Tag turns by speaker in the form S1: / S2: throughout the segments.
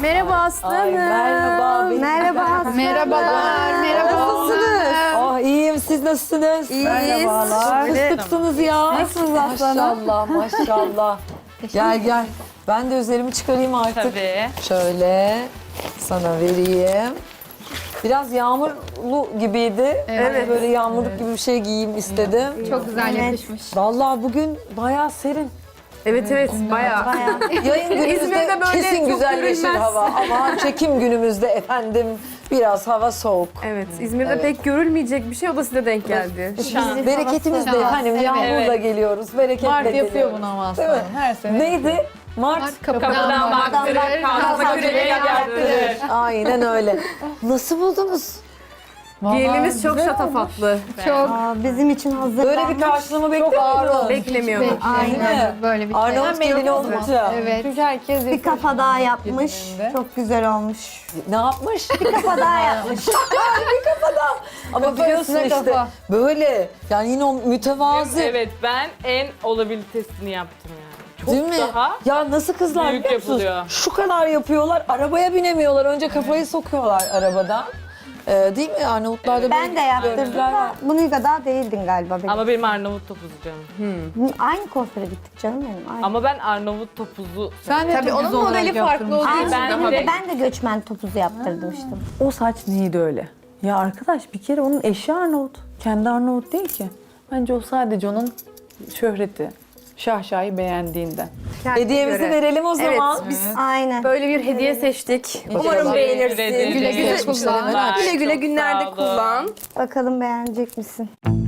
S1: Merhaba Aslı
S2: Ay,
S1: Hanım.
S2: merhaba.
S1: Merhaba.
S3: Merhabalar.
S1: Nasılsınız?
S2: Oh, iyiyim. Siz nasılsınız?
S1: İyiyiz.
S2: Merhabalar. Fıstıksınız ya.
S1: Nasılsınız Aslı Hanım?
S2: Maşallah, maşallah. Gel gel. Ben de üzerimi çıkarayım artık.
S3: Tabii.
S2: Şöyle sana vereyim. Biraz yağmurlu gibiydi.
S1: Evet.
S2: Böyle yağmurluk gibi bir şey giyeyim istedim.
S3: Çok güzel yakışmış.
S2: Vallahi bugün bayağı serin.
S1: Evet bayağı.
S2: Yayın günümüzde
S1: İzmir'de böyle
S2: kesin
S1: çok
S2: güzelleşir
S1: görülmez.
S2: hava. Ama çekim günümüzde efendim biraz hava soğuk.
S1: Evet, İzmir'de pek görülmeyecek bir şey, o da size denk geldi.
S2: Biz bereketimiz de
S3: Şans,
S2: efendim
S3: evet.
S2: yağmurla geliyoruz. Bereketle
S4: Mart
S2: geliyoruz.
S4: yapıyor bunu ama
S2: Değil mi?
S4: aslanım her sene.
S2: Neydi? Mart.
S3: Kapıdan baktırır, kalsa küreğe yaptırır.
S2: Aynen öyle. Nasıl buldunuz?
S1: Gelinimiz çok şatafatlı.
S3: Çok
S5: Bizim için hazırlanmış.
S2: Böyle bir karşılama bekliyor muydunuz?
S1: Beklemiyordum.
S5: Aynen.
S3: böyle bir şey.
S2: Arnavut gelini olunca.
S3: Evet.
S4: Çünkü herkes
S5: Bir kafa daha yapmış.
S4: Gelininde.
S5: Çok güzel olmuş.
S2: Ne yapmış?
S5: Bir kafa daha yapmış.
S2: Ama biliyorsun
S4: üstüne
S2: işte
S4: kafa.
S2: böyle yani yine o mütevazı.
S6: Evet, ben en olabilitesini yaptım yani. Çok
S2: Değil mi?
S6: daha
S2: Ya nasıl kızlar
S6: büyük
S2: biliyor musunuz?
S6: yapılıyor.
S2: Şu kadar yapıyorlar, arabaya binemiyorlar. Önce kafayı sokuyorlar arabadan. Değil mi? Arnavutlarda
S5: Ben
S2: böyle
S5: de yaptırdım
S2: görüntüler var.
S5: da bunun kadar değildin galiba benim.
S6: ama benim Arnavut topuzu canım.
S5: Aynı kuaföre gittik canım benim. Aynı.
S6: Ama ben Arnavut topuzu
S4: Sen de
S1: Tabii
S4: topuz
S1: onun
S4: olarak
S1: modeli farklı
S4: yaptırmışsın.
S1: olduğu için.
S5: Aynı
S6: ben
S5: ben,
S6: de-
S5: ben de göçmen topuzu yaptırmıştım.
S7: O saç neydi öyle? Ya arkadaş bir kere onun eşi Arnavut. Kendi Arnavut değil ki. Bence o sadece onun şöhreti. Şahşayı beğendiğinden.
S2: Hediyemizi
S1: göre.
S2: verelim o zaman.
S1: Evet, biz
S5: Aynen.
S1: böyle bir hediye seçtik. Umarım
S2: İnşallah.
S1: beğenirsin.
S6: Güle
S1: Güle güle
S6: kullan.
S1: kullan. Güle güle
S6: Çok
S1: günlerde
S6: sağ olun.
S1: kullan.
S5: Bakalım beğenecek misin?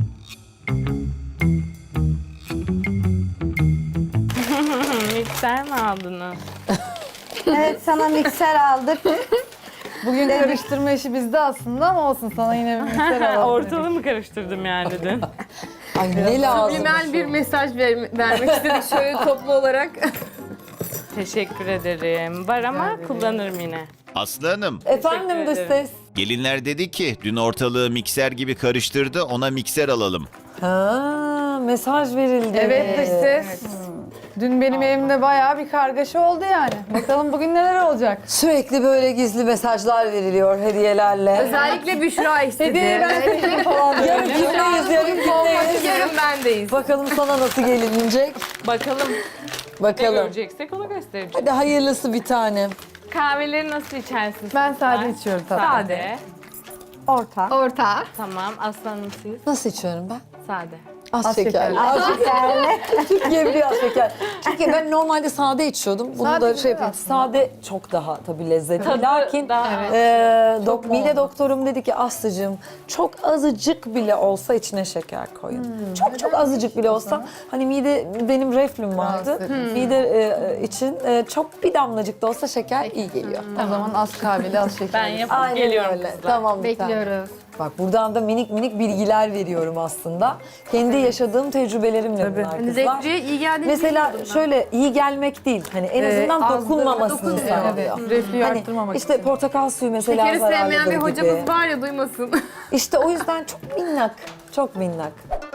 S6: Mikser mi aldınız?
S5: Evet sana mikser aldık.
S4: Bugün karıştırma işi bizde aslında ama olsun sana yine bir mikser alalım.
S6: Ortalığı mı karıştırdım yani dedin?
S2: Ay ne lazım?
S1: Subliminal bir mesaj vermek istedik şöyle toplu olarak.
S6: Teşekkür ederim. Var ama kullanırım yine.
S8: Aslı Hanım,
S2: Efendim
S6: Teşekkür
S2: dış
S6: ederim.
S2: ses.
S8: gelinler dedi ki dün ortalığı mikser gibi karıştırdı, ona mikser alalım.
S2: Ha, mesaj verildi.
S4: Evet dış ses. Dün benim evimde bayağı bir kargaşa oldu yani. Bakalım bugün neler olacak.
S2: Sürekli böyle gizli mesajlar veriliyor hediyelerle.
S1: Özellikle Büşra istedi.
S4: Hediyeyi ben seçeyim falan diye.
S2: Yarın kimdeyiz, yarın kimdeyiz?
S1: Yarın bendeyiz.
S2: Bakalım sana nasıl gelinecek?
S6: Bakalım ne
S2: Bakalım.
S6: göreceksek onu göstereceğiz.
S2: Hadi hayırlısı bir tane.
S6: Kahveleri nasıl içersiniz?
S4: Ben
S6: kızlar?
S4: sade içiyorum tabii.
S6: Sade.
S5: Orta.
S3: Orta.
S6: Tamam. Aslanım siz?
S2: Nasıl içiyorum ben?
S6: Sade.
S2: Az,
S4: Az
S2: şekerli.
S4: şekerli.
S2: Az şekerli. Türkiye biliyor az şeker. Çünkü ben normalde sade içiyordum. Bunu
S4: Sade
S2: da
S4: güzel
S2: şey yapayım.
S4: aslında.
S2: Sade çok daha tabii lezzetli.
S6: Tadı
S2: Lakin
S6: daha-
S2: mide doktorum dedi ki Aslı'cığım çok azıcık bile olsa içine şeker koyun. Çok azıcık bile olsa hani mide benim reflüm vardı. Mide için çok bir damlacık da olsa şeker iyi geliyor.
S4: O zaman az kahveli az şekerli.
S6: Ben yapıp
S2: Aynen
S6: geliyorum
S2: öyle.
S6: kızlar.
S2: Tamam bir tane.
S3: Bekliyoruz.
S2: Bak buradan da minik minik bilgiler veriyorum aslında. Kendi yaşadığım tecrübelerimle bunlar
S1: Hani
S2: kızlar.
S1: Zevciye iyi geldiğini
S2: Mesela
S1: bilmiyordum ben.
S2: şöyle iyi gelmek değil. Hani en azından
S1: az
S2: dokunmamasını
S1: dokunmuyor.
S2: sağlıyor.
S4: Evet, reflüyü
S2: Hani
S4: arttırmamak
S2: işte
S4: için.
S2: portakal suyu mesela
S1: Şekeri sevmeyen bir
S2: zararlıdır
S1: hocamız
S2: gibi.
S1: var ya, duymasın.
S2: İşte o yüzden çok minnak. Çok minnak.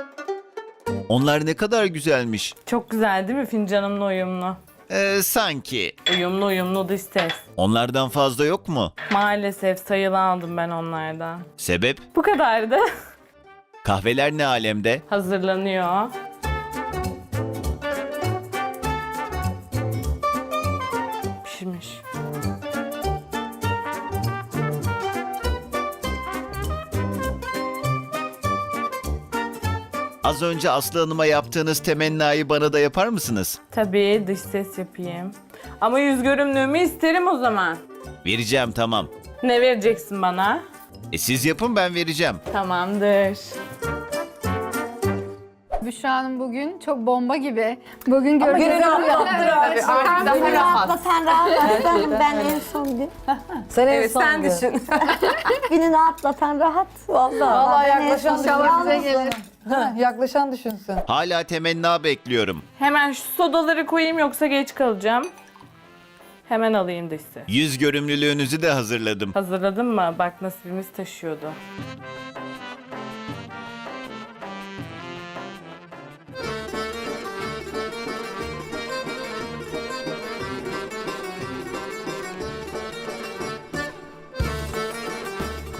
S8: Onlar ne kadar güzelmiş.
S6: Çok güzel değil mi fincanımla uyumlu?
S8: Sanki.
S6: Uyumlu dış ses.
S8: Onlardan fazla yok mu?
S6: Maalesef sayılı aldım ben onlardan.
S8: Sebep?
S6: Bu kadardı.
S8: Kahveler ne alemde?
S6: Hazırlanıyor. Pişmiş.
S8: Az önce Aslı Hanım'a yaptığınız temennayı bana da yapar mısınız?
S6: Tabii dış ses yapayım. Ama yüz görümlüğümü isterim o zaman.
S8: Vereceğim tamam.
S6: Ne vereceksin bana?
S8: Siz yapın ben vereceğim.
S6: Tamamdır.
S3: Büşra Hanım bugün çok bomba gibi. Bugün göreceğiz.
S2: Gününü atlattır
S1: Tabii artık daha
S5: Beni
S1: rahat.
S5: atlatan rahat aslanım. Ben en son gün.
S2: Sen en
S1: Evet,
S2: son
S1: sen
S2: gün.
S1: düşün.
S5: Gününü atlatan rahat.
S2: Vallahi.
S4: Vallahi
S5: Ben en
S4: yaklaşan
S5: son
S3: İnşallah
S5: yalnız-
S3: size gelir.
S4: Yaklaşan düşünsün.
S8: Hala temenna bekliyorum.
S6: Hemen şu sodaları koyayım yoksa geç kalacağım. Hemen alayım dış ses.
S8: Yüz görümlülüğünüzü de hazırladım.
S6: Hazırladın mı? Bak nasibimiz taşıyordu.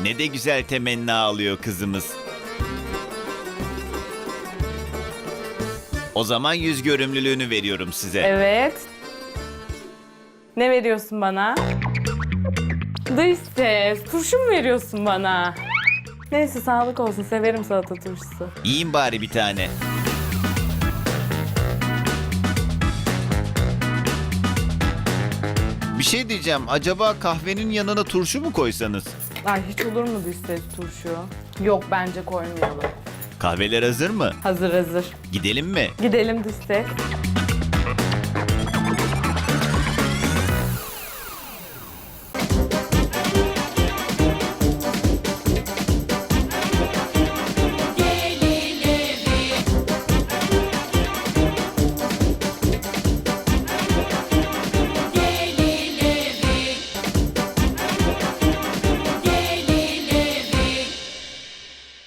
S8: Ne de güzel temenni alıyor kızımız. O zaman yüz görümlülüğünü veriyorum size.
S6: Evet. Ne veriyorsun bana? Dış ses. Turşu mu veriyorsun bana? Neyse sağlık olsun. Severim salata turşusu.
S8: Yiyin bari bir tane. Bir şey diyeceğim. Acaba kahvenin yanına turşu mu koysanız?
S6: Ay hiç olur mu dış ses turşu? Yok bence koymayalım.
S8: Kahveler hazır mı?
S6: Hazır hazır.
S8: Gidelim mi?
S6: Gidelim dış ses.